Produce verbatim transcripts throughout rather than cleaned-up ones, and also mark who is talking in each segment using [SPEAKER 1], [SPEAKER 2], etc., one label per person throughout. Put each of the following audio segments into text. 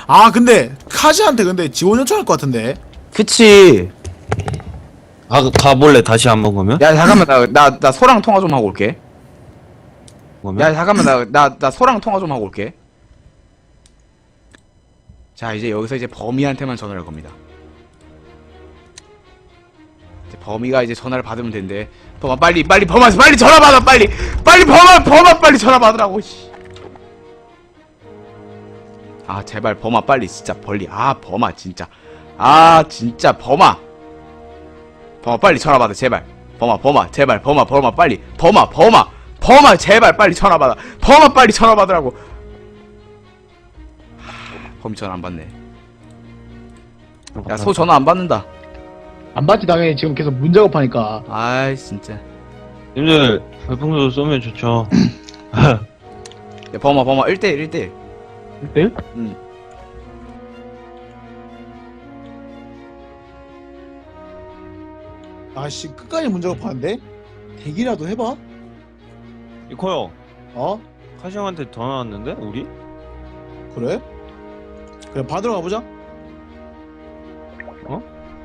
[SPEAKER 1] 아 근데 카지한테 근데 지원 요청할 것 같은데.
[SPEAKER 2] 그치.
[SPEAKER 3] 가, 가볼래 다시 한번 가면?
[SPEAKER 2] 야 잠깐만 나 나 나 소랑 통화 좀 하고 올게.
[SPEAKER 3] 그러면?
[SPEAKER 2] 야 잠깐만 나 나 나 소랑 통화 좀 하고 올게. 자 이제 여기서 이제 범이한테만 전화를 할 겁니다. 이제 범이가 이제 전화를 받으면 된대. 범아 빨리 빨리 범아 빨리 전화 받아 빨리 빨리 범아 범아 빨리 전화 받으라고. 씨. 아 제발 범아 빨리 진짜 벌리. 아 범아 진짜. 아 진짜 범아. 범아 빨리 전화 받아 제발. 범아 범아 제발 범아 범아 빨리 범아 범아 범아 제발 빨리 전화 받아. 범아 빨리 전화 받으라고. 범이 전화 안 받네. 야 소 전화 안 받는다.
[SPEAKER 4] 안 받지 당연히 지금 계속 문 작업하니까.
[SPEAKER 2] 아이 진짜.
[SPEAKER 3] 님들 별풍선 쏘면 좋죠.
[SPEAKER 2] 야 범아 범아 일 대일 일 대일.
[SPEAKER 4] 일 대일?
[SPEAKER 2] 응.
[SPEAKER 1] 아씨 끝까지 문 작업하는데? 대기라도 해봐.
[SPEAKER 3] 이코 형,
[SPEAKER 1] 어?
[SPEAKER 3] 카시 형한테 전화 왔는데 우리?
[SPEAKER 1] 그래? 그래 받으러 가보자.
[SPEAKER 3] 어?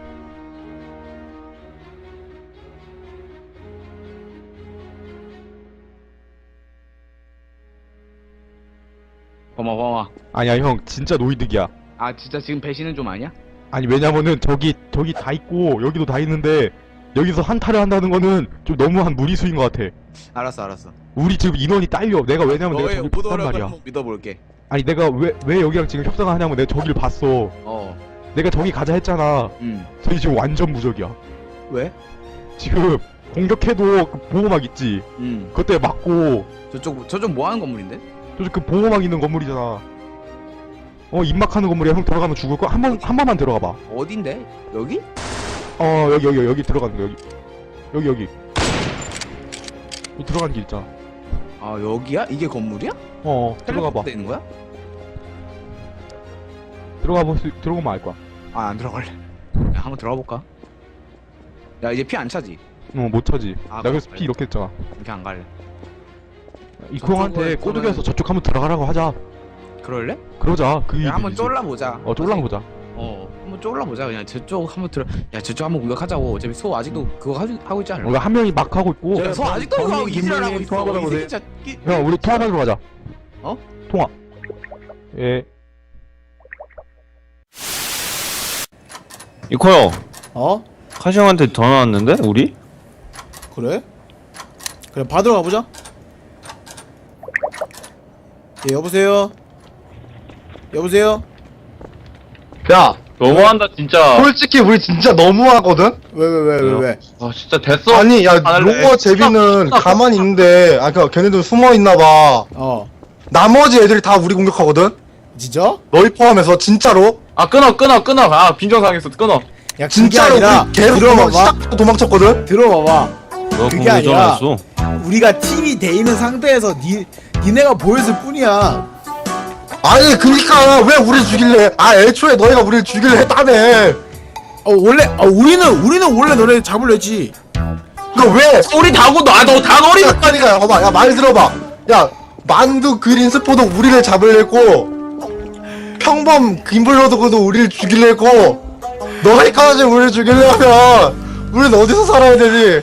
[SPEAKER 2] 범아 범아.
[SPEAKER 5] 아니야 형 진짜 노이득이야.
[SPEAKER 2] 아 진짜 지금 배신은 좀 아니야?
[SPEAKER 5] 아니 왜냐면은 저기 저기 다 있고 여기도 다 있는데 여기서 한타를 한다는 거는 좀 너무한 무리수인 것 같아.
[SPEAKER 2] 알았어 알았어.
[SPEAKER 5] 우리 지금 인원이 딸려. 내가 왜냐면 내가
[SPEAKER 2] 너의
[SPEAKER 5] 저기 봤단
[SPEAKER 2] 오더를
[SPEAKER 5] 말이야.
[SPEAKER 2] 한번 믿어볼게.
[SPEAKER 5] 아니 내가 왜 왜 여기랑 지금 협상을 하냐면 내가 저기를 봤어.
[SPEAKER 2] 어.
[SPEAKER 5] 내가 저기 가자 했잖아.
[SPEAKER 2] 음.
[SPEAKER 5] 저기 지금 완전 무적이야.
[SPEAKER 2] 왜?
[SPEAKER 5] 지금 공격해도 그 보호막 있지.
[SPEAKER 2] 음.
[SPEAKER 5] 그것 때문에 맞고
[SPEAKER 2] 저쪽 저쪽 뭐 하는 건물인데?
[SPEAKER 5] 저쪽 그 보호막 있는 건물이잖아. 어 입막하는 건물이야. 형 들어가면 죽을 거. 한 번 한 번만 들어가 봐.
[SPEAKER 2] 어딘데? 여기?
[SPEAKER 5] 어 여기 여기 여기 들어가는 거 여기 여기 여기 여기 들어가는 길 있잖아.
[SPEAKER 2] 아 여기야? 이게 건물이야?
[SPEAKER 5] 어 들어가 봐.
[SPEAKER 2] 텔레포트 있는 거야?
[SPEAKER 5] 들어가 볼 수, 들어가면 알 거야.
[SPEAKER 2] 아 안 들어갈래. 야 한번 들어가 볼까? 야 이제 피 안 차지?
[SPEAKER 5] 어 못 차지.
[SPEAKER 2] 아,
[SPEAKER 5] 나 그래서
[SPEAKER 2] 그래.
[SPEAKER 5] 피 이렇게 했잖아.
[SPEAKER 2] 이렇게 안 갈래.
[SPEAKER 5] 이코 형한테
[SPEAKER 2] 저쪽은
[SPEAKER 5] 꼬드겨서
[SPEAKER 2] 저는-
[SPEAKER 5] 저쪽 한번 들어가라고 하자.
[SPEAKER 2] 그럴래?
[SPEAKER 5] 그러자. 그
[SPEAKER 2] 야 한번
[SPEAKER 5] 일이지.
[SPEAKER 2] 쫄라 보자.
[SPEAKER 5] 어 쫄랑 보자.
[SPEAKER 2] 어 한번 쫄라 보자. 그냥 저쪽 한번 들어. 야 저쪽 한번 공격하자고. 어차피 소 아직도 그거 하고, 하고 있지 않을까?
[SPEAKER 5] 우리가 한 명이 막 하고 있고.
[SPEAKER 2] 야, 소 아직도 그거 하고 이지랄하고 있어.
[SPEAKER 5] 통화
[SPEAKER 2] 이
[SPEAKER 5] 받아보세요.
[SPEAKER 2] 새끼 진짜 끼-
[SPEAKER 5] 형 우리 통화 받으러 가자.
[SPEAKER 2] 어?
[SPEAKER 5] 통화. 예.
[SPEAKER 3] 이코 형,
[SPEAKER 1] 어?
[SPEAKER 3] 카시 형한테 전화 왔는데 우리?
[SPEAKER 1] 그래? 그래 받으러 가보자. 예 여보세요? 여보세요?
[SPEAKER 6] 야, 너무한다 진짜.
[SPEAKER 7] 솔직히 우리 진짜 너무하거든?
[SPEAKER 1] 왜 왜 왜 왜 왜?
[SPEAKER 6] 아 진짜 됐어.
[SPEAKER 7] 아니 야
[SPEAKER 6] 안 할래.
[SPEAKER 7] 로어 제비는 가만히 있는데 아 그 걔네들 숨어있나봐.
[SPEAKER 1] 어
[SPEAKER 7] 나머지 애들이 다 우리 공격하거든?
[SPEAKER 1] 진짜?
[SPEAKER 7] 너희 포함해서 진짜로?
[SPEAKER 6] 아 끊어 끊어 끊어. 아 빈정상했어 끊어.
[SPEAKER 1] 야 그게
[SPEAKER 7] 진짜로
[SPEAKER 1] 아니라
[SPEAKER 7] 우리 계속 도망,
[SPEAKER 1] 들어봐봐.
[SPEAKER 7] 시작부터 도망쳤거든?
[SPEAKER 1] 들어봐봐.
[SPEAKER 3] 너
[SPEAKER 1] 그게
[SPEAKER 3] 공개
[SPEAKER 1] 아니라-
[SPEAKER 3] 전화했어.
[SPEAKER 1] 우리가 팀이 돼 있는 상태에서 니 니네가 보였을 뿐이야.
[SPEAKER 7] 아니 그니까 왜 우리 죽일래? 아 애초에 너희가 우리를 죽일래 했다며.
[SPEAKER 1] 어 원래 어 우리는 우리는 원래 너네 잡으려 했지.
[SPEAKER 7] 그니까 왜?
[SPEAKER 6] 우리 다고 너너다 너리.
[SPEAKER 7] 그니까 봐봐 야 말 들어봐. 야 만두 그린 스포도 우리를 잡으려 했고 평범 김블러드도 우리를 죽일려 했고 너희까지 우리를 죽이려면 우리는 어디서 살아야 되지?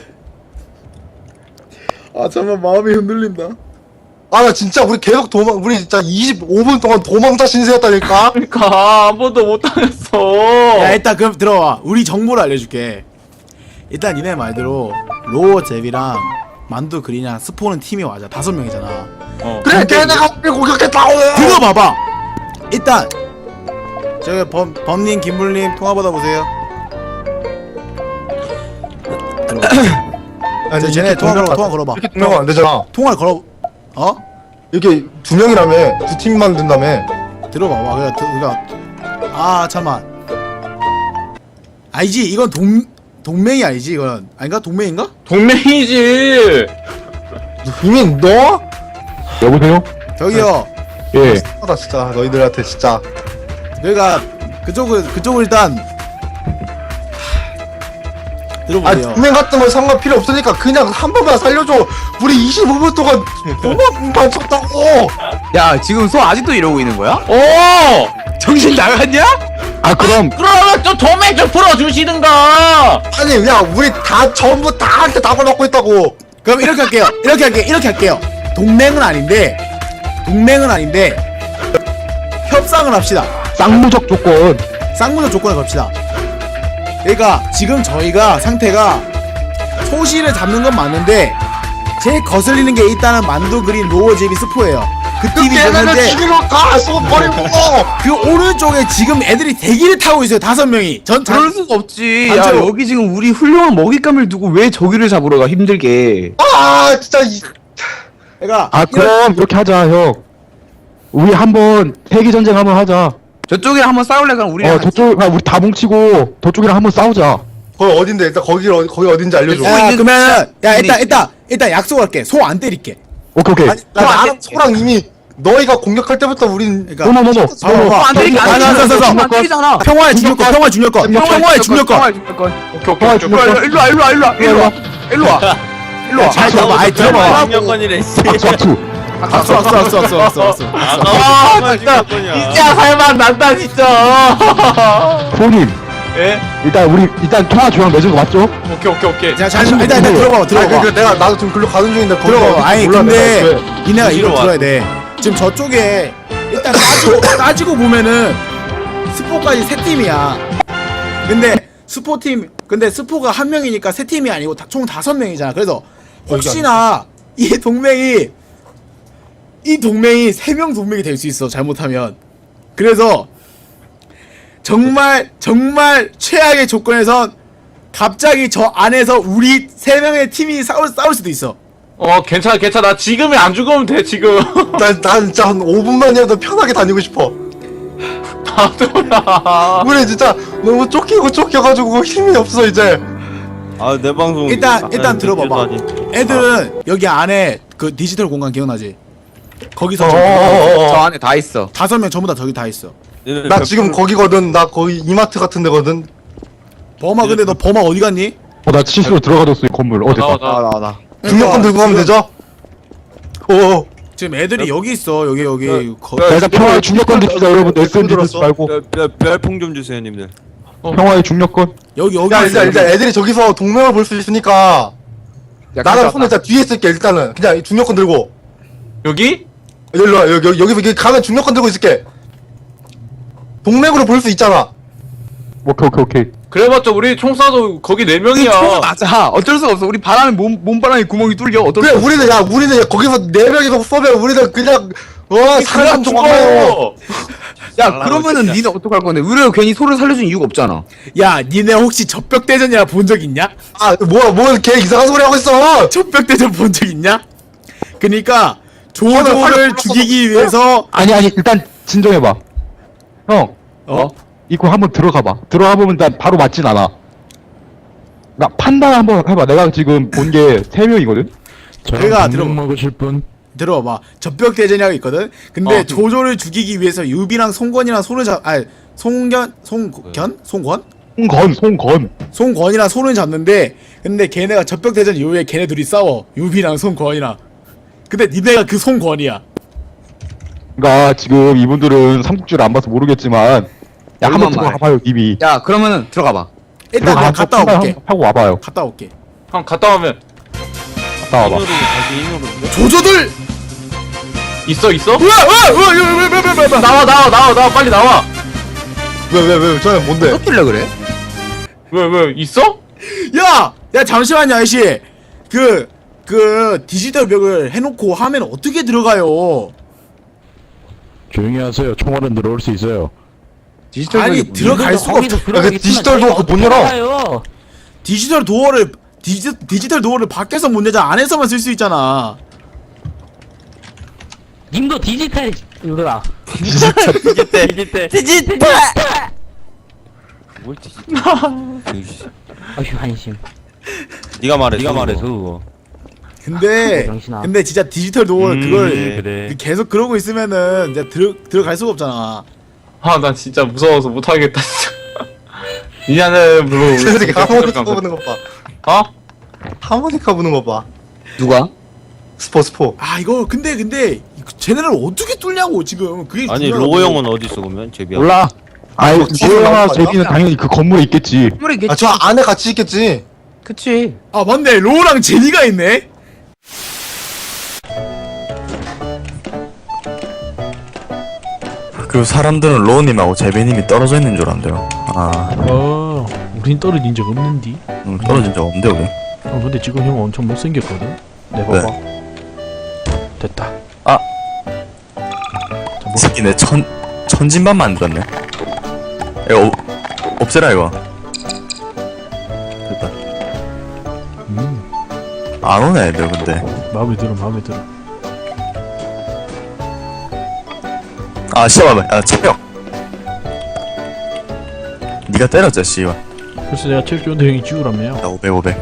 [SPEAKER 1] 아 잠깐 마음이 흔들린다.
[SPEAKER 7] 아 나 진짜 우리 계속 도망 우리 진짜 이십오 분 동안 도망자 신세였다니까.
[SPEAKER 6] 그러니까 아무도 못 당했어.
[SPEAKER 1] 야 일단 그럼 들어와. 우리 정보를 알려줄게. 일단 니네 말대로 로어 제비랑 만두 그리냐 스포는 팀이 맞아. 다섯 명이잖아.
[SPEAKER 3] 어.
[SPEAKER 7] 그래 걔네가 우리 공격했다고.
[SPEAKER 1] 들어봐봐. 일단 저기 범 범님 김불님 통화 받아보세요.
[SPEAKER 7] 아니
[SPEAKER 1] 저 쟤네 통화 걸어 통화 걸어봐.
[SPEAKER 7] 이렇게 두 명은 안 되잖아.
[SPEAKER 1] 통화를 걸어. 어?
[SPEAKER 7] 이렇게 두 명이라며 두 팀만 된다며.
[SPEAKER 1] 들어봐봐. 그래, 그니까 아 잠만. 아니지 이건 동 동맹이 아니지 이건 아닌가 동맹인가?
[SPEAKER 6] 동맹이지.
[SPEAKER 7] 이미 너?
[SPEAKER 5] 여보세요?
[SPEAKER 1] 저기요.
[SPEAKER 5] 예.
[SPEAKER 7] 하다 진짜 너희들한테 진짜.
[SPEAKER 1] 그러니까 그쪽을 그쪽을 일단
[SPEAKER 7] 아
[SPEAKER 1] 들어보세요.
[SPEAKER 7] 동맹 같은 거 상관 필요 없으니까 그냥 한 번만 살려줘. 우리 이십오 분 동안 도망만 쳤다고.
[SPEAKER 2] 야 지금 소 아직도 이러고 있는 거야?
[SPEAKER 6] 어.
[SPEAKER 2] 정신 나갔냐?
[SPEAKER 5] 아 그럼
[SPEAKER 6] 그러면 좀 도매 좀 풀어주시든가.
[SPEAKER 7] 아니 야 우리 다 전부 다 한테 답을 받고 있다고.
[SPEAKER 1] 그럼 이렇게 할게요. 이렇게 할게요. 이렇게 할게요. 동맹은 아닌데 동맹은 아닌데 협상을 합시다.
[SPEAKER 5] 쌍무적 조건.
[SPEAKER 1] 쌍문적 조건을 겁시다. 그러니까 지금 저희가 상태가 소시를 잡는 건 맞는데 제일 거슬리는 게 일단은 만두 그린 로어 제비 스포예요. 그 팀이
[SPEAKER 7] 걔네를
[SPEAKER 1] 있는데
[SPEAKER 7] 죽이러 가. 쏘 버리고.
[SPEAKER 1] 그 오른쪽에 지금 애들이 대기를 타고 있어요. 다섯 명이. 전 자,
[SPEAKER 2] 그럴 수가 없지. 야
[SPEAKER 1] 단체로.
[SPEAKER 2] 여기 지금 우리 훌륭한 먹잇감을 두고 왜 저기를 잡으러 가 힘들게.
[SPEAKER 7] 아 진짜 이.
[SPEAKER 1] 그러니까
[SPEAKER 5] 아 그럼 이렇게 하자 형. 우리 한번 세계 전쟁 한번 하자.
[SPEAKER 2] 저쪽이랑 한번 싸울래 그럼 우리랑
[SPEAKER 5] 어 저쪽 아, 우리 다 뭉치고 저쪽이랑 한번 싸우자.
[SPEAKER 7] 거기 어딘데? 일단 거기 어디 거기 어딘지 알려줘.
[SPEAKER 2] 야,
[SPEAKER 1] 야,
[SPEAKER 2] 있는
[SPEAKER 1] 그러면 야
[SPEAKER 2] 진짜
[SPEAKER 1] 일단
[SPEAKER 2] 있네.
[SPEAKER 1] 일단 일단 약속할게. 소 안 때릴게.
[SPEAKER 5] 오케이 오케이.
[SPEAKER 7] 아니, 나 나랑 소랑 이미 너희가 공격할 때부터 우린
[SPEAKER 1] 그러니까
[SPEAKER 5] 노노노노.
[SPEAKER 1] 봐봐, 봐봐.
[SPEAKER 2] 안 때리게 안
[SPEAKER 1] 아,
[SPEAKER 2] 때리게
[SPEAKER 1] 서, 서, 서.
[SPEAKER 2] 안 때리잖아.
[SPEAKER 1] 평화의 중력권, 평화의 중력권, 평화의 중력권.
[SPEAKER 6] 오케이 오케이
[SPEAKER 5] 평화의
[SPEAKER 6] 오케이.
[SPEAKER 5] 중력권.
[SPEAKER 2] 일로 와 일로 와 일로 와 일로 와 일로 와 일로 와.
[SPEAKER 1] 잘 들어봐, 아이 들어봐.
[SPEAKER 3] 중력권이래 씨.
[SPEAKER 5] 악수 악수.
[SPEAKER 1] 악수, 악수, 악수, 악수, 악수, 악수.
[SPEAKER 6] 아 진짜 진짜 살만 난다 진짜.
[SPEAKER 5] 프로님
[SPEAKER 6] 예?
[SPEAKER 5] 일단 우리 일단 통화 조약 맺은 거 맞죠?
[SPEAKER 6] 오케이 오케이 오케이.
[SPEAKER 1] 자, 잘, 일단, 일단 들어봐,
[SPEAKER 7] 아니
[SPEAKER 1] 들어봐.
[SPEAKER 7] 그 내가 나도 지금 글로 가는 중인데 거기
[SPEAKER 1] 들어봐.
[SPEAKER 7] 어딘지
[SPEAKER 1] 아니,
[SPEAKER 7] 몰라,
[SPEAKER 1] 근데
[SPEAKER 7] 내가.
[SPEAKER 1] 니네가 이거
[SPEAKER 3] 어디로
[SPEAKER 1] 들어야 돼. 지금 저쪽에 일단 따지고, 따지고 보면은 스포까지 세 팀이야. 근데 스포팀, 근데 스포가 한 명이니까 세 팀이 아니고 다- 총 다섯 명이잖아. 그래서 혹시나 이 동맹이 이 동맹이 세 명 동맹이 될 수 있어. 잘못하면. 그래서 정말 정말 최악의 조건에선 갑자기 저 안에서 우리 세 명의 팀이 싸울 싸울 수도 있어.
[SPEAKER 6] 어 괜찮아 괜찮아. 나 지금이 안 죽으면 돼 지금.
[SPEAKER 7] 난, 난 진짜 한 오 분만이라도 편하게 다니고 싶어.
[SPEAKER 6] 나도야.
[SPEAKER 7] 우리 진짜 너무 쫓기고 쫓겨가지고 힘이 없어 이제.
[SPEAKER 3] 아 내 방송
[SPEAKER 1] 일단 일단
[SPEAKER 3] 아,
[SPEAKER 1] 들어봐봐.
[SPEAKER 3] 늦어서
[SPEAKER 1] 애들은 여기 안에 그 디지털 공간 기억나지? 거기서 저-
[SPEAKER 7] 어어어어.
[SPEAKER 2] 저 안에 다 있어.
[SPEAKER 1] 다섯 명 전부 다 저기 다 있어.
[SPEAKER 3] 니네
[SPEAKER 7] 나
[SPEAKER 3] 백
[SPEAKER 7] 지금 거기거든. 나 거기 이마트 같은 데거든.
[SPEAKER 1] 범아 근데 너 범아 어디 갔니?
[SPEAKER 5] 어나 실수로 들어가뒀어 이 건물. 어
[SPEAKER 6] 나와
[SPEAKER 5] 됐다.
[SPEAKER 6] 나와.
[SPEAKER 2] 나와 나.
[SPEAKER 7] 중력권 들고 가면 되죠? 오.
[SPEAKER 1] 지금 애들이 여기 있어. 여기 여기. 거-
[SPEAKER 5] 자, 일단 평화의 중력권 드시자 여러분. 에스엔디
[SPEAKER 7] 들었어.
[SPEAKER 5] 듣지 말고.
[SPEAKER 3] 별풍 좀 주세요 님들.
[SPEAKER 5] 평화의 중력권.
[SPEAKER 1] 여기 여기
[SPEAKER 7] 야
[SPEAKER 1] 있어.
[SPEAKER 7] 일단
[SPEAKER 1] 여기.
[SPEAKER 7] 일단 애들이 저기서 동맹을 볼 수 있으니까
[SPEAKER 2] 야,
[SPEAKER 7] 나는
[SPEAKER 2] 가져왔다.
[SPEAKER 7] 손에 일단 뒤에 있을게. 일단은 그냥 중력권 들고.
[SPEAKER 6] 여기?
[SPEAKER 7] 여기로 와. 여기 여기 여기 여기 가면 중력권 들고 있을게. 동맹으로 볼 수 있잖아.
[SPEAKER 5] 오케이 오케이 오케이.
[SPEAKER 6] 그래봤자 우리 총 쏴도 거기 네
[SPEAKER 2] 총은
[SPEAKER 6] 명이야.
[SPEAKER 2] 맞아. 어쩔 수 없어. 우리 바람에 몸 몸바람에 구멍이 뚫려. 어쩔
[SPEAKER 7] 그래
[SPEAKER 2] 수 없어.
[SPEAKER 7] 우리는 야 우리는 거기서 네 명이서 쏘면 우리는 그냥 어
[SPEAKER 6] 그냥
[SPEAKER 7] 산산
[SPEAKER 6] 죽어.
[SPEAKER 7] 조각나요.
[SPEAKER 2] 야 그러면은 니는 어떡할 건데? 우리가 괜히 소를 살려준 이유가 없잖아.
[SPEAKER 1] 야, 니네 혹시 적벽대전이라 본 적 있냐?
[SPEAKER 7] 아 뭐야 뭐걔 이상한 소리 하고 있어.
[SPEAKER 1] 적벽대전 본 적 있냐? 그니까
[SPEAKER 7] 저는
[SPEAKER 1] 조조를
[SPEAKER 7] 활력
[SPEAKER 1] 죽이기
[SPEAKER 7] 불렀어.
[SPEAKER 1] 위해서
[SPEAKER 5] 아니 아니 일단 진정해봐. 형.
[SPEAKER 1] 어?
[SPEAKER 5] 이거 한번 들어가봐. 들어가 보면 난 바로 맞진 않아. 나 판단 한번 해봐. 내가 지금 본 게 세 명이거든.
[SPEAKER 1] 그가 들어
[SPEAKER 5] 먹으실 분.
[SPEAKER 1] 들어봐. 적벽대전이라고 있거든. 근데
[SPEAKER 6] 어.
[SPEAKER 1] 조조를 죽이기 위해서 유비랑 송건이랑 손을 잡 아니 송견 송견 송권
[SPEAKER 5] 송건 송건.
[SPEAKER 1] 송권이랑 손을 잡는데 근데 걔네가 적벽대전 이후에 걔네 둘이 싸워. 유비랑 송권이랑. 근데 니네가 그 송권이야.
[SPEAKER 5] 그러니까 지금 이분들은 삼국지를 안 봐서 모르겠지만 야 한번
[SPEAKER 2] 얼마나
[SPEAKER 5] 들어가봐요 이미.
[SPEAKER 2] 야 그러면은 들어가봐.
[SPEAKER 1] 일단 내가
[SPEAKER 5] 들어가서
[SPEAKER 1] 갔다
[SPEAKER 5] 판단
[SPEAKER 1] 올게.
[SPEAKER 5] 한번 하고 와봐요.
[SPEAKER 1] 갔다 올게.
[SPEAKER 6] 형 갔다 오면
[SPEAKER 5] 갔다 와봐.
[SPEAKER 3] 힘으로 다시 힘으로.
[SPEAKER 1] 조조들
[SPEAKER 6] 있어 있어?
[SPEAKER 1] 뭐야? 뭐야? 뭐야? 뭐야? 뭐야? 뭐야? 뭐야?
[SPEAKER 6] 나와 나와 나와 나와 빨리 나와.
[SPEAKER 7] 왜 왜 왜 저는 뭔데?
[SPEAKER 2] 섞일래 그래?
[SPEAKER 6] 왜 왜 있어?
[SPEAKER 1] 야! 야 잠시만요 아저씨. 그, 그 디지털 벽을 해놓고 하면 어떻게 들어가요?
[SPEAKER 8] 조용히 하세요. 총알은 들어올 수 있어요.
[SPEAKER 2] 디지털
[SPEAKER 1] 아니
[SPEAKER 2] 벽이
[SPEAKER 1] 들어갈 수가 없죠.
[SPEAKER 7] 야, 그 디지털 도어 그거 못 열어.
[SPEAKER 1] 디지털 도어를 디지, 디지털 도어를 밖에서 못 내자 안에서만 쓸 수 있잖아.
[SPEAKER 9] 님도 디지털 이거라.
[SPEAKER 3] 디지털 디지털.
[SPEAKER 9] 디지털.
[SPEAKER 3] 뭘 디지털?
[SPEAKER 9] 어휴 한심.
[SPEAKER 3] 네가 말해. 네가 말해 그거.
[SPEAKER 1] 근데
[SPEAKER 9] 병신아.
[SPEAKER 1] 근데 진짜 디지털 도어
[SPEAKER 3] 음,
[SPEAKER 1] 그걸
[SPEAKER 3] 그래, 그래.
[SPEAKER 1] 계속 그러고 있으면은 이제 들어 들어갈 수가 없잖아.
[SPEAKER 6] 아 나 진짜 무서워서 못하겠다 진짜. 미안해 물론.
[SPEAKER 7] 쟤들이 하모니카 부는 거 봐.
[SPEAKER 6] 어?
[SPEAKER 7] 하모니카 부는 거 봐.
[SPEAKER 2] 누가?
[SPEAKER 7] 스포 스포.
[SPEAKER 1] 아 이거 근데 근데 쟤네를 어떻게 뚫냐고 지금 그게
[SPEAKER 3] 아니
[SPEAKER 1] 중요하다고.
[SPEAKER 3] 로고 형은 어디 있어 그러면 제비야?
[SPEAKER 5] 몰라. 아니
[SPEAKER 7] 뒤에서
[SPEAKER 5] 로영아
[SPEAKER 7] 나온 거 아니야?
[SPEAKER 5] 제비는 당연히 그 건물에 있겠지.
[SPEAKER 7] 아, 저 안에 같이 있겠지.
[SPEAKER 9] 그치.
[SPEAKER 1] 아 맞네 로우랑 제니가 있네.
[SPEAKER 10] 그 사람들은 로우님하고 제비님이 떨어져 있는 줄 안돼요. 아,
[SPEAKER 4] 어, 우린 떨어진 적 없는디.
[SPEAKER 10] 음, 떨어진 적 없는데 우리.
[SPEAKER 4] 어, 근데 지금 형 엄청 못생겼거든. 내
[SPEAKER 10] 네.
[SPEAKER 4] 봐봐. 됐다.
[SPEAKER 10] 아.
[SPEAKER 4] 자, 뭐,
[SPEAKER 10] 이 새끼 내 천 천진반 만들었네. 이거 어, 없애라 이거. 됐다.
[SPEAKER 4] 음,
[SPEAKER 10] 안 오네 애들 근데.
[SPEAKER 4] 마음에 들어, 마음에 들어.
[SPEAKER 10] 아 씨발, 아 체력. 니가 때렸지 씨발.
[SPEAKER 4] 그래서 내가 체력 좋은데 형이 지우라며요.
[SPEAKER 10] 나 오백 오백.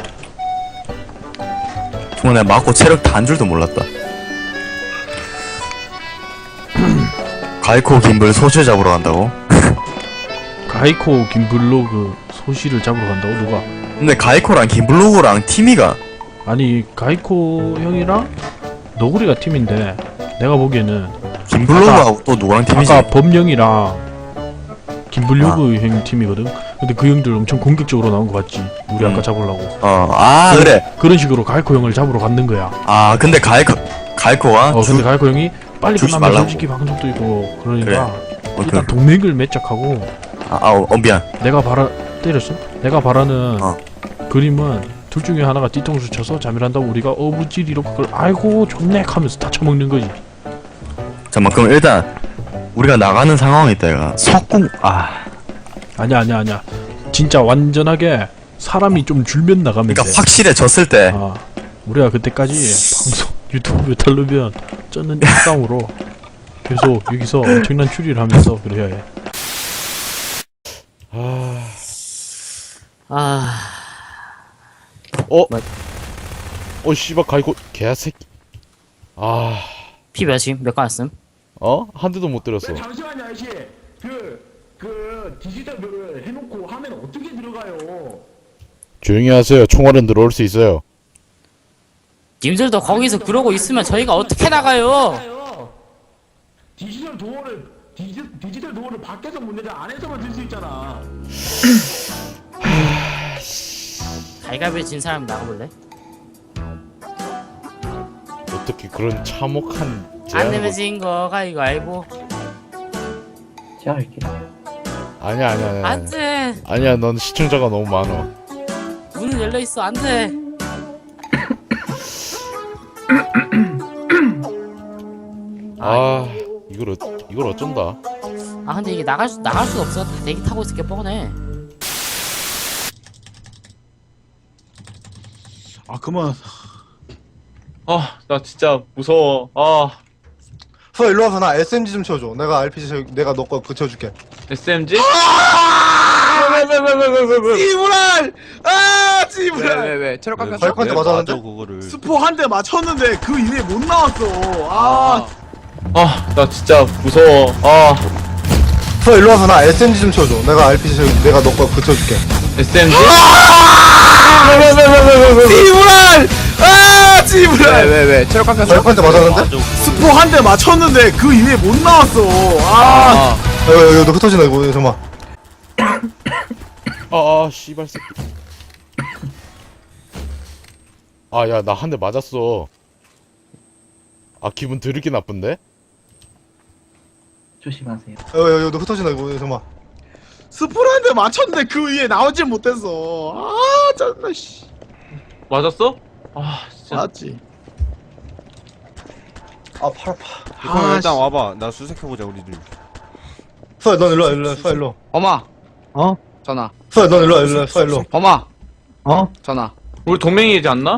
[SPEAKER 10] 정말 내가 맞고 체력 다 한 줄도 몰랐다. 가이코 김불 소실 잡으러 간다고?
[SPEAKER 4] 가이코 김블로그 소시를 잡으러 간다고 누가?
[SPEAKER 10] 근데 가이코랑 김블로그랑 티미가
[SPEAKER 4] 아니 가이코 형이랑 너구리가 팀인데 내가 보기에는
[SPEAKER 10] 김블로그하고 또 누구랑 팀이지?
[SPEAKER 4] 아까 범령이랑 김블로그 형 팀이거든. 근데 그 형들 엄청 공격적으로 나온 거 봤지? 우리
[SPEAKER 10] 음.
[SPEAKER 4] 아까 잡으려고.
[SPEAKER 10] 어, 아 그래.
[SPEAKER 4] 그런 식으로 가이코 형을 잡으러 갔는 거야.
[SPEAKER 10] 아 근데 가이코 가이코가
[SPEAKER 4] 어 근데 가이코 형이 빨리
[SPEAKER 10] 주지
[SPEAKER 4] 끝나면
[SPEAKER 10] 말라고.
[SPEAKER 4] 솔직히 방송도 있고 그러니까
[SPEAKER 10] 어,
[SPEAKER 4] 일단
[SPEAKER 10] 그,
[SPEAKER 4] 동맹을 맺작하고
[SPEAKER 10] 아, 아 어, 어 미안.
[SPEAKER 4] 내가 바라 때렸어? 내가 바라는
[SPEAKER 10] 어.
[SPEAKER 4] 그림은 둘 중에 하나가 뒤통수 쳐서 잠이란다고 우리가 어부지리로 그걸 아이고 좋네 하면서 다 처먹는 거지.
[SPEAKER 10] 잠깐만 그럼 일단 우리가 나가는 상황이 있다 이거. 석궁 아
[SPEAKER 4] 아니야 아니야 아니야 진짜 완전하게 사람이 좀 줄면 나가면
[SPEAKER 10] 그러니까
[SPEAKER 4] 돼.
[SPEAKER 10] 확실해졌을 때
[SPEAKER 4] 아 우리가 그때까지 방송 유튜브 탈르면 쩌는 일상으로 계속 여기서 엄청난 추리를 하면서 그래야 해.
[SPEAKER 9] 아,
[SPEAKER 8] 어? 어 씨발 가이고 개새끼. 아,
[SPEAKER 9] 피 몇이? 몇 가였음?
[SPEAKER 8] 어? 한 대도 못 때렸어.
[SPEAKER 4] 잠시만요 아저씨. 그, 그 디지털을 해놓고 하면 어떻게 들어가요?
[SPEAKER 8] 조용히 하세요. 총알은 들어올 수 있어요.
[SPEAKER 9] 님들도 거기서 그러고 있으면 저희가 어떻게 나가요?
[SPEAKER 4] 디지털 도어를 디지, 디지털 도어를 밖에서 못 내자 안에서만 들 수 있잖아.
[SPEAKER 9] 갈갈비 진 사람 나가볼래?
[SPEAKER 8] 어떻게 그런 참혹한
[SPEAKER 9] 안
[SPEAKER 8] 제안을
[SPEAKER 9] 내면 진 거가 이거 알고.
[SPEAKER 8] 아니야 아니야 아니야.
[SPEAKER 9] 안 돼.
[SPEAKER 8] 아니야 넌 시청자가 너무 많아.
[SPEAKER 9] 문은 열려 있어. 안 돼.
[SPEAKER 8] 아 이걸 어, 이걸 어쩐다.
[SPEAKER 9] 아 근데 이게 나갈 수 나갈 수 없어. 다 대기 타고 있을 게 뻔해.
[SPEAKER 1] 아 그만.
[SPEAKER 6] 아, 나 진짜 무서워. 아,
[SPEAKER 7] 서 일로 와서 나 에스엠지 좀 쳐줘. 내가 알피지 쳐, 내가 너 거 붙여줄게.
[SPEAKER 6] 에스엠지?
[SPEAKER 1] 지브랄! 아 지브랄!
[SPEAKER 2] 왜왜왜 체력 깎였어?
[SPEAKER 7] 가이코한테 맞았는데?
[SPEAKER 3] 맞아 그거를.
[SPEAKER 1] 스포 한 대 맞췄는데 그 이후에 못 나왔어. 아,
[SPEAKER 6] 아, 나 진짜 무서워. 아,
[SPEAKER 7] 서 일로 와서 나 에스엠지 좀 쳐줘. 내가 알피지 쳐, 내가 너 거 붙여줄게.
[SPEAKER 6] 에스엠지?
[SPEAKER 1] 지브랄! 아 지브랄!
[SPEAKER 2] 왜왜왜 체력 깎였어?
[SPEAKER 7] 가이코한테 맞았는데?
[SPEAKER 3] 맞아 그거를.
[SPEAKER 1] 스포 한 대 맞췄는데 그 이후에 못 나왔어. 아,
[SPEAKER 6] 아,
[SPEAKER 7] 야, 야, 야, 너 흩어진다 이거 잠깐만.
[SPEAKER 8] 아아 씨발 새끼. 아 야 나 한 대 맞았어. 아 기분 드럽게 나쁜데?
[SPEAKER 7] 야, 야, 야, 너 흩어진다 이거 잠깐만.
[SPEAKER 1] 스포를 한 대 맞췄는데 그 이후에 나오질 못했어. 아 짜증나 씨.
[SPEAKER 6] 맞았어? 아, 진짜.
[SPEAKER 1] 맞지.
[SPEAKER 7] 아, 팔 아파.
[SPEAKER 3] 그럼 일단 와봐. 나 수색해보자 우리들.
[SPEAKER 7] 서야, 넌 일로 와, 일로 와, 서야 일로.
[SPEAKER 2] 범아.
[SPEAKER 5] 어?
[SPEAKER 2] 전화.
[SPEAKER 7] 서야, 넌 일로 와, 일로 와, 서야 일로.
[SPEAKER 2] 범아.
[SPEAKER 5] 어?
[SPEAKER 2] 전화.
[SPEAKER 6] 우리 동맹이지 않나?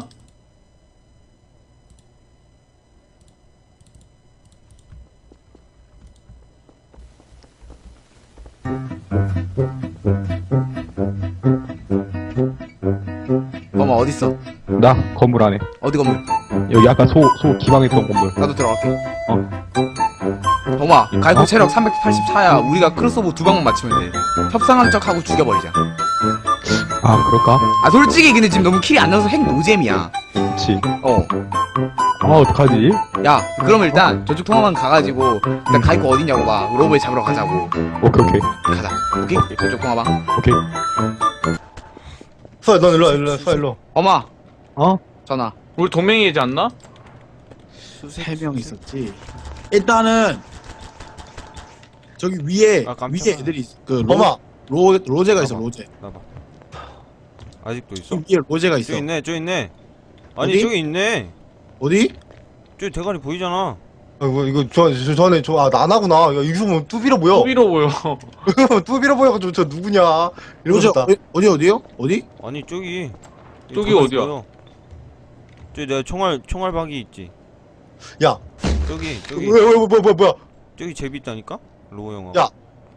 [SPEAKER 2] 범아 어딨어?
[SPEAKER 5] 나 건물 안에.
[SPEAKER 2] 어디 건물?
[SPEAKER 5] 여기 아까 소 소 기방했던 건물.
[SPEAKER 2] 나도 들어갈게.
[SPEAKER 5] 어.
[SPEAKER 2] 범아 가이코 체력 삼백팔십사야. 우리가 크로스오버 두 방만 맞추면 돼. 협상한 척하고 죽여버리자.
[SPEAKER 5] 아 그럴까?
[SPEAKER 2] 아 솔직히 근데 지금 너무 킬이 안 나서 핵 노잼이야.
[SPEAKER 5] 그치.
[SPEAKER 2] 어.
[SPEAKER 5] 아 어떡하지?
[SPEAKER 2] 야 그럼 일단 저쪽 통화만 가가지고 일단 가이코 어딨냐고 봐. 로봇 잡으러 가자고.
[SPEAKER 5] 오케이 오케이
[SPEAKER 2] 가자. 오케이? 저쪽 통화방.
[SPEAKER 5] 오케이.
[SPEAKER 7] 서야 넌 일로 와 일로 와 서야 일로.
[SPEAKER 2] 엄마.
[SPEAKER 5] 어?
[SPEAKER 2] 전화.
[SPEAKER 6] 우리 동맹이지 않나?
[SPEAKER 1] 세 명 있었지. 일단은 저기 위에
[SPEAKER 3] 아, 깜짝아.
[SPEAKER 1] 위에 애들이 있- 그 로,
[SPEAKER 7] 범아
[SPEAKER 1] 로 로제가 있어
[SPEAKER 3] 봐봐.
[SPEAKER 1] 로제.
[SPEAKER 3] 나봐. 아직도 있어?
[SPEAKER 1] 위에 로제가 있어.
[SPEAKER 3] 저기 있네, 저기 있네. 아니
[SPEAKER 1] 어디?
[SPEAKER 3] 저기 있네.
[SPEAKER 1] 어디?
[SPEAKER 3] 저기 대가리 보이잖아.
[SPEAKER 7] 아, 이거 이거 저, 저 전에 저아 나나구나. 야 여기서 보면 뚜비로 보여.
[SPEAKER 6] 소비로 보여.
[SPEAKER 7] 뚜비로 보여가지고 저 누구냐
[SPEAKER 1] 로제
[SPEAKER 7] 이러고
[SPEAKER 1] 어디 어디 어디요? 어디?
[SPEAKER 3] 아니 저기.
[SPEAKER 6] 저기
[SPEAKER 3] 대가리
[SPEAKER 6] 어디야?
[SPEAKER 3] 보여. 저기 내가 총알 총알박이 있지.
[SPEAKER 7] 야
[SPEAKER 3] 저기 저기
[SPEAKER 7] 왜왜 뭐, 뭐, 뭐, 뭐야?
[SPEAKER 3] 저기 제비 있다니까? 로우 형아.
[SPEAKER 7] 야.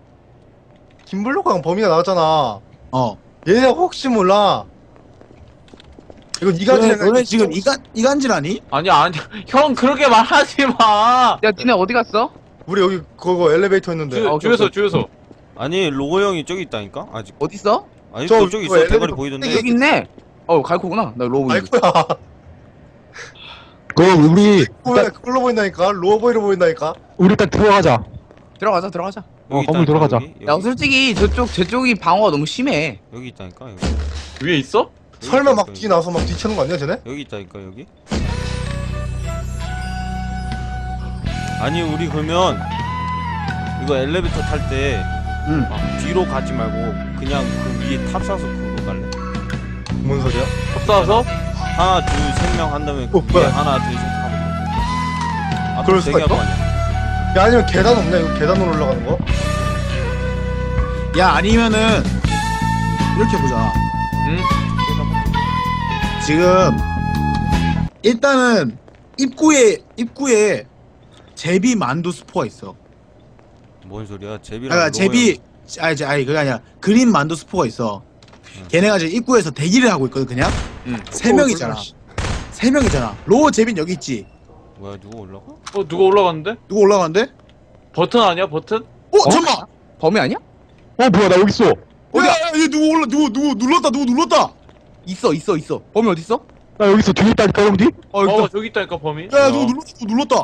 [SPEAKER 7] 김블록강 범인가 나왔잖아.
[SPEAKER 1] 어.
[SPEAKER 7] 얘네 혹시 몰라. 이거 니가
[SPEAKER 1] 너네,
[SPEAKER 7] 지내가
[SPEAKER 1] 너네 지금 이간 이간질 아니?
[SPEAKER 6] 아니 아니 형 그렇게 말하지 마.
[SPEAKER 2] 야 니네 어디 갔어?
[SPEAKER 7] 우리 여기 그거 엘리베이터였는데.
[SPEAKER 6] 주,
[SPEAKER 2] 오케이,
[SPEAKER 6] 주유소
[SPEAKER 2] 오케이.
[SPEAKER 6] 주유소.
[SPEAKER 3] 아니 로우 형이 저기 있다니까? 아직.
[SPEAKER 2] 어딨어?
[SPEAKER 3] 아직도
[SPEAKER 7] 저,
[SPEAKER 3] 저기
[SPEAKER 7] 저
[SPEAKER 3] 있어. 대가리
[SPEAKER 7] 엘리베이터
[SPEAKER 3] 보이던데.
[SPEAKER 2] 여기 있네. 어 가이코구나. 나 로봇.
[SPEAKER 7] 아이고야.
[SPEAKER 5] 그 우리
[SPEAKER 7] 그거
[SPEAKER 5] 일단
[SPEAKER 7] 그걸로 보인다니까. 로어보이로 보인다니까.
[SPEAKER 5] 우리 일단 들어가자.
[SPEAKER 2] 들어가자 들어가자.
[SPEAKER 5] 어,
[SPEAKER 3] 여기
[SPEAKER 5] 건물
[SPEAKER 3] 있다니까,
[SPEAKER 5] 들어가자.
[SPEAKER 3] 여기,
[SPEAKER 2] 야
[SPEAKER 3] 여기,
[SPEAKER 2] 솔직히 저쪽 저쪽이 방어가 너무 심해.
[SPEAKER 3] 여기 있다니까. 여기.
[SPEAKER 6] 위에 있어?
[SPEAKER 3] 여기
[SPEAKER 7] 설마 막
[SPEAKER 3] 있다니까,
[SPEAKER 7] 뒤 나서 막 뒤치는 거 아니야 쟤네?
[SPEAKER 3] 여기 있다니까 여기. 아니 우리 그러면 이거 엘리베이터 탈 때
[SPEAKER 1] 응.
[SPEAKER 3] 뒤로 가지 말고 그냥 그 위에 탑 사서 그거 갈래.
[SPEAKER 7] 뭔 소리야?
[SPEAKER 6] 탑사서?
[SPEAKER 3] 하나 둘 셋 명 한 다음에 그
[SPEAKER 7] 어,
[SPEAKER 3] 위에
[SPEAKER 7] 뭐야?
[SPEAKER 3] 하나 둘 셋 하면 돼.
[SPEAKER 7] 그럴 수가
[SPEAKER 3] 되게
[SPEAKER 7] 있어?
[SPEAKER 3] 할거 아니야.
[SPEAKER 7] 야 아니면 계단 없냐? 이거 계단으로 올라가는 거?
[SPEAKER 1] 야 아니면은 이렇게 보자.
[SPEAKER 6] 응?
[SPEAKER 1] 지금 일단은 입구에 입구에 제비 만두 스포가 있어.
[SPEAKER 3] 뭔 소리야? 제비랑
[SPEAKER 1] 아
[SPEAKER 3] 로우
[SPEAKER 1] 제비 아니 제- 아니 그게 아니라 그린 만두 스포가 있어. 걔네가 지금 입구에서 대기를 하고 있거든 그냥.
[SPEAKER 2] 응.
[SPEAKER 1] 세 명이잖아. 세 명이잖아. 로어 제빈 여기 있지.
[SPEAKER 3] 형. 뭐야 누구 올라가?
[SPEAKER 6] 어 누가 올라갔는데?
[SPEAKER 1] 누구 올라간대?
[SPEAKER 6] 버튼 아니야 버튼?
[SPEAKER 1] 어, 잠깐만.
[SPEAKER 2] 범위 아니야?
[SPEAKER 5] 어 뭐야 나 여기 있어.
[SPEAKER 1] 야, 야, 얘 누구 올라 누구 누구 눌렀다 누구 눌렀다.
[SPEAKER 2] 있어 있어 있어. 범위 어디 있어?
[SPEAKER 5] 나 여기 있어. 뒤에 있다니까 형 뒤.
[SPEAKER 1] 어,
[SPEAKER 6] 어
[SPEAKER 1] 일단,
[SPEAKER 6] 저기 있다니까 범인.
[SPEAKER 1] 야, 누구 눌렀다 누구 눌렀다.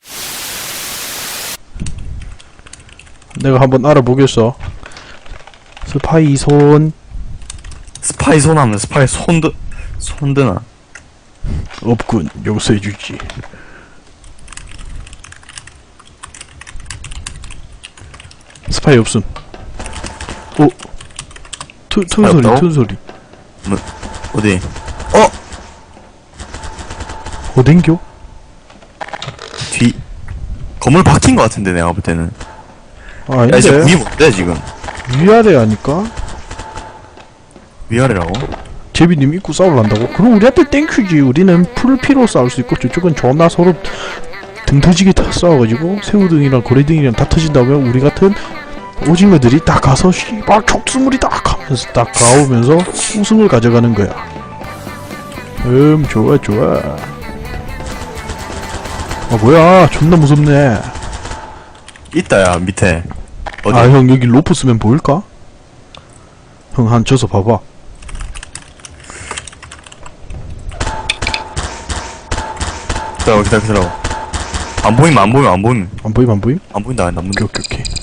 [SPEAKER 4] 내가 한번 알아보겠어. 스파이 손
[SPEAKER 10] 스파이 손하면 스파이 손드 손드나.
[SPEAKER 4] 없군. 용서해주지. 스파이 없음. 오. 투, 툰
[SPEAKER 10] 스파이
[SPEAKER 4] 소리,
[SPEAKER 10] 없다고?
[SPEAKER 4] 툰 소리.
[SPEAKER 10] 어디?
[SPEAKER 4] 어딘겨?
[SPEAKER 10] 뒤 건물 박힌 거 같은데 내가 볼 때는.
[SPEAKER 4] 아,
[SPEAKER 10] 야 이제
[SPEAKER 4] 아닌데.
[SPEAKER 10] 위이 뭔데 지금?
[SPEAKER 4] 위아래 아니까?
[SPEAKER 10] 위아래라고?
[SPEAKER 4] 제비님 입고 싸우려한다고? 그럼 우리한테 땡큐지. 우리는 풀피로 싸울 수 있고 저쪽은 존나 서로 등 터지게 다 싸워가지고 새우등이랑 고래등이랑 다 터진다면 우리 같은 오징어들이 딱 가서 씨발 촉수물이 딱 하면서 딱 가오면서 우승을 가져가는 거야. 음 좋아 좋아. 아 뭐야 존나 무섭네.
[SPEAKER 10] 있다 야 밑에. 어디?
[SPEAKER 4] 아 형 여기 로프 쓰면 보일까? 형 한 져서 봐봐.
[SPEAKER 10] 기다려 기다려 기다려. 안 보이면 안 보이면 안 보이면
[SPEAKER 4] 안 보임 안 보임?
[SPEAKER 10] 안 보인다 안 보인다.
[SPEAKER 4] 오케이 오케이 오케이.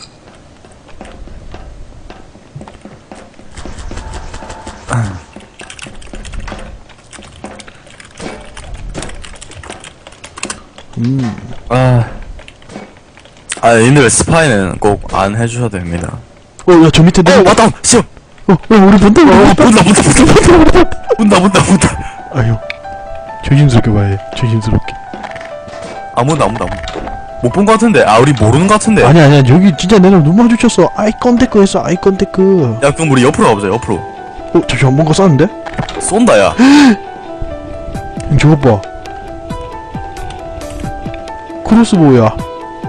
[SPEAKER 4] 음.
[SPEAKER 10] 아. 아, 님들 스파이는 꼭 안 해주셔도 됩니다.
[SPEAKER 4] 어, 야, 저 밑에
[SPEAKER 10] 어,
[SPEAKER 4] 내.
[SPEAKER 10] 왔다! 시험!
[SPEAKER 4] 어, 어, 우리 본다, 우리
[SPEAKER 10] 어,
[SPEAKER 4] 본다.
[SPEAKER 10] 본다, 본다, 본다, 본다, 본다, 본다, 본다.
[SPEAKER 4] 아유, 조심스럽게 봐야 해. 조심스럽게.
[SPEAKER 10] 아무도, 아무도, 아무도. 못 본 거 같은데? 아, 우리 모르는 거 같은데?
[SPEAKER 4] 아니, 아니야, 여기 진짜 내가 눈 마주쳤어. 아이 컨택크 했어, 아이 컨택크.
[SPEAKER 10] 야, 그럼 우리 옆으로 가보자, 옆으로.
[SPEAKER 4] 어, 잠시만, 뭔가 쌌는데?
[SPEAKER 10] 쏜다, 야.
[SPEAKER 4] 형, 저것 봐. 크로스보우야.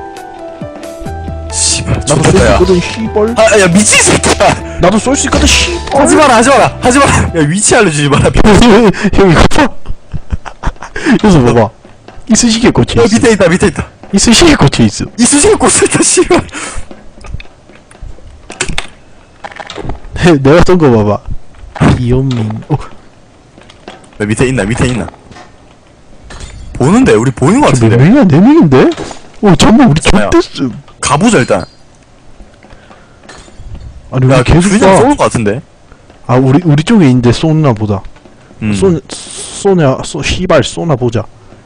[SPEAKER 10] 씨발,
[SPEAKER 4] 나도 쏠
[SPEAKER 10] 좋겠다,
[SPEAKER 4] 수
[SPEAKER 10] 야.
[SPEAKER 4] 있거든, 씨벌.
[SPEAKER 10] 아, 야, 미친 새끼야!
[SPEAKER 4] 나도 쏠 수 있거든, 씨벌.
[SPEAKER 10] 하지 마라, 하지 마라, 하지 마라! 야, 위치 알려주지 마라.
[SPEAKER 4] 형, 이거 봐. 여기서 봐봐. 이쑤시개 꽂혀
[SPEAKER 10] 야,
[SPEAKER 4] 있어.
[SPEAKER 10] 밑에 있다, 밑에 있다.
[SPEAKER 4] 이쑤시개 꽂혀 있어.
[SPEAKER 10] 이쑤시개 꽂혀있다, 씨발.
[SPEAKER 4] 내가 쏜 거 봐봐. 이현민. 어,
[SPEAKER 10] 야, 밑에 있나, 밑에 있나. 보는데 우리 보이는 거
[SPEAKER 4] 몇
[SPEAKER 10] 같은데.
[SPEAKER 4] 명이야? 네 명인데? 어 잠깐만 우리
[SPEAKER 10] 야.
[SPEAKER 4] 좆됐어.
[SPEAKER 10] 가보자 일단.
[SPEAKER 4] 아니 우리
[SPEAKER 10] 야
[SPEAKER 4] 계속
[SPEAKER 10] 그냥
[SPEAKER 4] 쏴.
[SPEAKER 10] 쏘는 거 같은데.
[SPEAKER 4] 아 우리 우리 쪽에 있는데 쏘나 보다.
[SPEAKER 10] 음.
[SPEAKER 4] 쏘 쏘냐 쏘 씨발 쏘나 보자.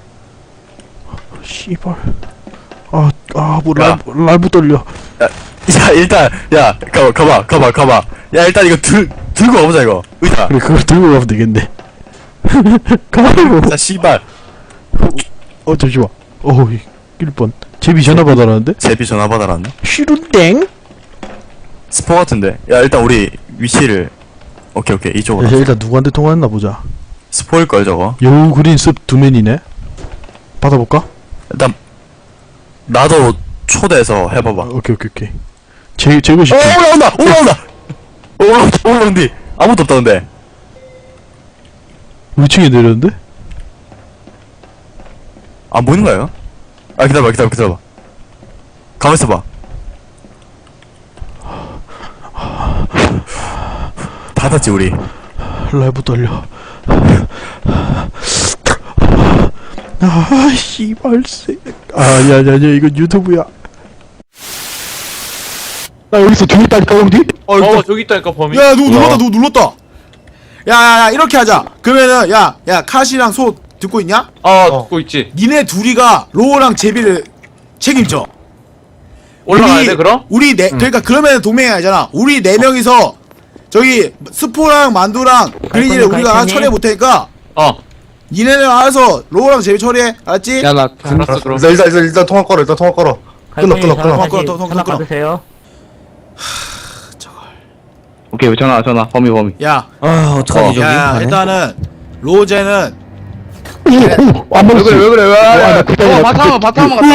[SPEAKER 4] 씨발. 아아뭐
[SPEAKER 10] 야.
[SPEAKER 4] 랄 랄부 떨려.
[SPEAKER 10] 야 일단 야 가봐 가봐 가봐 가봐. 야 일단 이거 들 들고 가보자 이거. 의자.
[SPEAKER 4] 그래 그걸 들고 가면 되겠네. 가라고.
[SPEAKER 10] 자 씨발.
[SPEAKER 4] 어 잠시만. 어 일번 제비 전화 받아라는데?
[SPEAKER 10] 제비 전화 받아라네.
[SPEAKER 4] 쉬룬땡?
[SPEAKER 10] 스포 같은데. 야 일단 우리 위치를. 오케이 오케이 이쪽으로.
[SPEAKER 4] 야, 일단 누구한테 통화했나 보자.
[SPEAKER 10] 스포일 걸 저거.
[SPEAKER 4] 여우 그린 습 두맨이네. 받아볼까?
[SPEAKER 10] 일단 나도 초대해서 해봐봐.
[SPEAKER 4] 어, 오케이 오케이 오케이. 제 제거시.
[SPEAKER 10] 어 올라온다 올라온다. 올라온다 올라온디. 아무도 없다 근데.
[SPEAKER 4] 위층에 내렸는데?
[SPEAKER 10] 안 보이는 거예요? 아 기다려봐 기다려봐 기다려봐. 가만 있어봐. 닫았지 우리.
[SPEAKER 4] 라이브 떨려. 아 씨발새. 아야야야 이거 유튜브야.
[SPEAKER 5] 나 여기서 뒤에 있다니까 형님?
[SPEAKER 6] 어, 어 저기 있다니까 범인.
[SPEAKER 1] 야 누구
[SPEAKER 5] 뭐야?
[SPEAKER 1] 눌렀다 누구 눌렀다. 야야야 이렇게 하자. 그러면은 야야 카시랑 소 듣고 있냐?
[SPEAKER 6] 어 듣고 있지.
[SPEAKER 1] 니네 둘이가 로우랑 제비를 책임져.
[SPEAKER 6] 올라가야
[SPEAKER 1] 우리-
[SPEAKER 6] 돼 그럼?
[SPEAKER 1] 우리 네 그러니까 그러면 동맹이 아니잖아. 우리 네 명이서 저기 스포랑 만두랑 그린이를
[SPEAKER 9] 갈거니,
[SPEAKER 1] 우리가
[SPEAKER 9] 갈거니?
[SPEAKER 1] 처리해 못 테니까
[SPEAKER 6] 어.
[SPEAKER 1] 니네는 알아서 로우랑 제비 처리해. 알았지?
[SPEAKER 6] 야나 알았어 그럼.
[SPEAKER 7] 일단 일단 일단, 일단 통화 걸어 일단 통화 걸어 끊어 끊어 끊어
[SPEAKER 1] 끊어, 끊어, 끊어,
[SPEAKER 9] 전화
[SPEAKER 1] 끊어.
[SPEAKER 9] 받으세요.
[SPEAKER 3] 오케이 전화 전화 범위 범위.
[SPEAKER 1] 야,
[SPEAKER 9] 아 어떡하지 저기?
[SPEAKER 1] 야 일단은 로제는
[SPEAKER 5] 안
[SPEAKER 6] 왜 그래 왜 그래 왜?
[SPEAKER 5] 나 그때
[SPEAKER 6] 어
[SPEAKER 5] 내가
[SPEAKER 6] 바탕
[SPEAKER 5] 그때-
[SPEAKER 6] 바탕 갔다.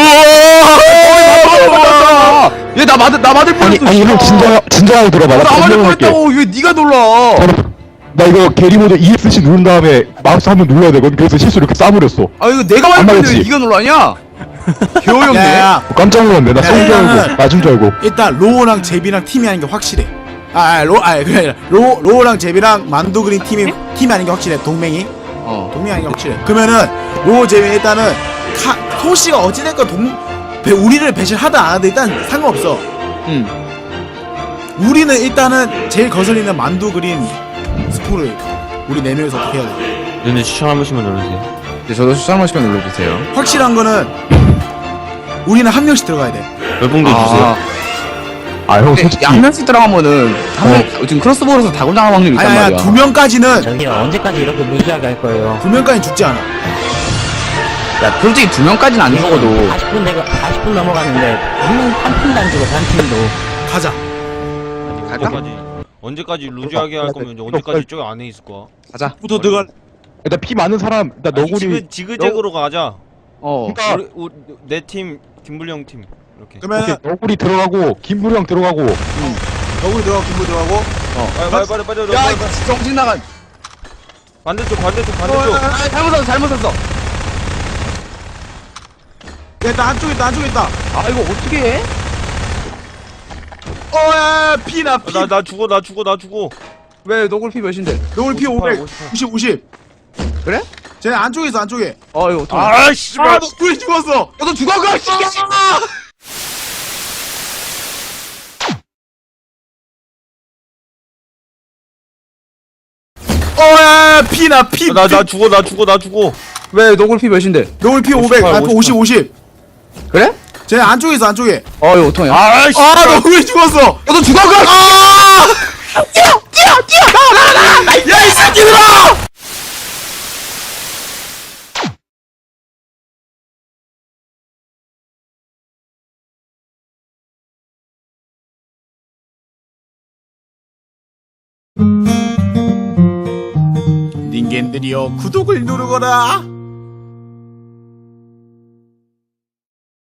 [SPEAKER 6] 얘나 맞을 나 맞을
[SPEAKER 5] 아니
[SPEAKER 6] 뻔했어.
[SPEAKER 5] 아니 형 진정 진정하게 들어봐. 나
[SPEAKER 6] 나 맞을
[SPEAKER 5] 설명할게.
[SPEAKER 6] 뻔했다고 왜 네가 놀라?
[SPEAKER 5] 나 이거 게리모드 이에스씨 누른 다음에 마우스 한번 눌러야 되거든. 그래서 실수로 이렇게 싸버렸어.
[SPEAKER 6] 아 이거 내가 맞을
[SPEAKER 5] 안
[SPEAKER 6] 뻔했는데 왜
[SPEAKER 5] 맞았지?
[SPEAKER 6] 네가 놀라냐? 개어였네.
[SPEAKER 1] 야야
[SPEAKER 5] 깜짝 놀랐네. 나 성줄
[SPEAKER 1] 야,
[SPEAKER 5] 알고 맞은 줄 알고.
[SPEAKER 1] 일단 로우랑 제비랑 팀이 아닌 게 확실해. 아, 아 로, 아 그게 아니라 로 로우랑 제비랑 만두 그린 팀이 팀이 아닌 게 확실해. 동맹이
[SPEAKER 6] 어.
[SPEAKER 1] 동맹이 아닌 게 확실해. 그러면은 로우 제비 일단은 카 소씨가 어찌됐건 동 배, 우리를 배신하다 안 하든 일단 상관없어.
[SPEAKER 6] 응.
[SPEAKER 1] 우리는 일단은 제일 거슬리는 만두 그린 스포를 우리 네 명이서 어떻게 해야 돼?
[SPEAKER 3] 눈에 추천 한 번씩만 눌러주세요.
[SPEAKER 2] 네, 저도 추천 한 번씩만 눌러주세요.
[SPEAKER 1] 확실한 거는 우리는 한 명씩 들어가야 돼.
[SPEAKER 3] 몇 봉도 주세요.
[SPEAKER 5] 아 형
[SPEAKER 2] 근데
[SPEAKER 5] 솔직히
[SPEAKER 2] 한 명씩 들어가면은 한 명, 지금 크로스보로서 다굴당할 확률이 있단
[SPEAKER 1] 아니
[SPEAKER 2] 말이야.
[SPEAKER 1] 아니 두 명까지는
[SPEAKER 9] 저기요 언제까지 이렇게 무시하게 할 거예요?
[SPEAKER 1] 두 명까지 죽지 않아.
[SPEAKER 2] 야, 솔직히 두 명까지는 안 죽어도
[SPEAKER 9] 사십 분 내가 사십 분 넘어갔는데 한명한 팀도 안 죽어 한 팀도.
[SPEAKER 1] 가자.
[SPEAKER 2] 갈까?
[SPEAKER 3] 언제까지 언제까지 루즈하게 할 거면 이제 언제까지 저기 안에 있을 거야?
[SPEAKER 2] 가자.
[SPEAKER 6] 부터 들어가.
[SPEAKER 5] 일단 피 많은 사람 일단
[SPEAKER 3] 아니,
[SPEAKER 5] 너구리
[SPEAKER 3] 지그 지그재그로 가자.
[SPEAKER 2] 어.
[SPEAKER 5] 그러니까
[SPEAKER 3] 우리 우리 내 팀 김불리 형 팀 이렇게.
[SPEAKER 1] 그러면
[SPEAKER 5] 오케이, 너구리 들어가고 김부리 형 들어가고
[SPEAKER 1] 너구리 들어가고 김부 들어가고.
[SPEAKER 3] 빨리 빨리 빨리 빨리
[SPEAKER 2] 야,
[SPEAKER 3] 빨리, 빨리.
[SPEAKER 2] 정신 나간.
[SPEAKER 3] 반대쪽 반대쪽
[SPEAKER 1] 어,
[SPEAKER 3] 반대쪽.
[SPEAKER 2] 아, 잘못 샀어, 잘못 샀어.
[SPEAKER 1] 야, 일단 한쪽에 있다 한쪽에 있다.
[SPEAKER 2] 아, 이거 어떻게 해?
[SPEAKER 1] 어야 피나 피.
[SPEAKER 3] 나 나 죽어 나 죽어 나 죽어.
[SPEAKER 2] 왜 너굴 피 몇인데?
[SPEAKER 1] 너구리 피
[SPEAKER 3] 오십팔,
[SPEAKER 1] 오백.
[SPEAKER 3] 오십팔.
[SPEAKER 1] 오십 오십.
[SPEAKER 2] 그래?
[SPEAKER 1] 쟤 안쪽에 있어 안쪽에.
[SPEAKER 2] 어, 이거 어떡해.
[SPEAKER 3] 아 씨발.
[SPEAKER 1] 아 너구리 죽었어.
[SPEAKER 2] 너도 죽어, 그 씨.
[SPEAKER 1] 어야 피나 피.
[SPEAKER 3] 나 나 죽어 나 죽어 나 죽어.
[SPEAKER 2] 왜 너굴 피 몇인데?
[SPEAKER 1] 너구리 피 오백.
[SPEAKER 3] 오십팔,
[SPEAKER 1] 아 오십 오십.
[SPEAKER 2] 그래?
[SPEAKER 1] 쟤 안쪽에 있어 안쪽에.
[SPEAKER 2] 어, 이거 어떡해.
[SPEAKER 3] 아 씨.
[SPEAKER 1] 아 너구리 죽었어.
[SPEAKER 2] 너도 죽어, 그 씨.
[SPEAKER 1] 아! 뛰어 뛰어 뛰어 나나나 야이 새끼들아! 닌겐들이여 구독을 누르거라.